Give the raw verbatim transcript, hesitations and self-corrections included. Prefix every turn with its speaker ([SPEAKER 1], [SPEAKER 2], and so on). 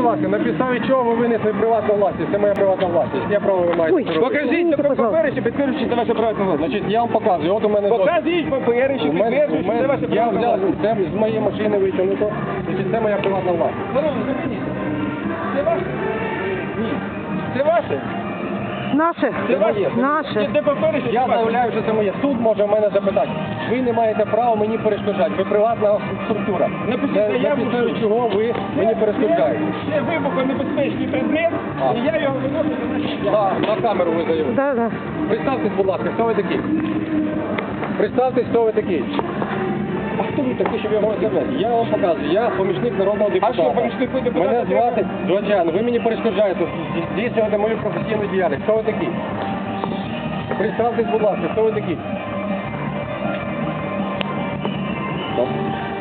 [SPEAKER 1] будь ласка, на підставі чого ви винесли приватну власність? Це моя приватна власність. Я право ви маєте
[SPEAKER 2] Ой,
[SPEAKER 1] це робити.
[SPEAKER 3] Покажіть папери, що підтверджують, що це ваша приватна власність.
[SPEAKER 1] Значить, я вам показую. От у мене
[SPEAKER 3] Покажіть папери, що
[SPEAKER 1] У мене-
[SPEAKER 3] підтверджують,
[SPEAKER 1] у
[SPEAKER 3] що це
[SPEAKER 1] мене-
[SPEAKER 3] ваша
[SPEAKER 1] Я
[SPEAKER 3] приватна
[SPEAKER 1] взяв
[SPEAKER 3] власність.
[SPEAKER 1] це з моєї машини витягнуто. Значить, це моя приватна власність.
[SPEAKER 3] Здорово, зупиніть. Це ваше? Ні. Це ваше?
[SPEAKER 2] Наше.
[SPEAKER 3] Це ваше?
[SPEAKER 2] Наше.
[SPEAKER 3] Де папери, що це
[SPEAKER 1] Я
[SPEAKER 3] ваше?
[SPEAKER 1] заявляю, що це моє. Суд може в мене запитати. Ви не маєте права мені перешкоджати. Ви приватна структура.
[SPEAKER 3] Напишіть
[SPEAKER 1] Це-
[SPEAKER 3] заяву,
[SPEAKER 1] На підставі
[SPEAKER 3] що-
[SPEAKER 1] чого ви мені перешкоджаєте?
[SPEAKER 3] Це вибухонебезпечний предмет,
[SPEAKER 1] А.
[SPEAKER 3] і я його виношу до нашої
[SPEAKER 1] На, на камеру ви заявили.
[SPEAKER 2] Да, да.
[SPEAKER 1] Представтесь, будь ласка, хто ви такий? Представтесь, хто ви такий. А хто ви такий, щоб я вам сказати? Я вам показую. Я помічник народного депутата.
[SPEAKER 3] що, помічник депутата
[SPEAKER 1] Мене
[SPEAKER 3] треба?
[SPEAKER 1] звати Звичайно. Ви мені перешкоджаєте здійснювати мою професійну діяльність. Хто ви такий? Представтесь, будь ласка, хто ви такий? Стоп.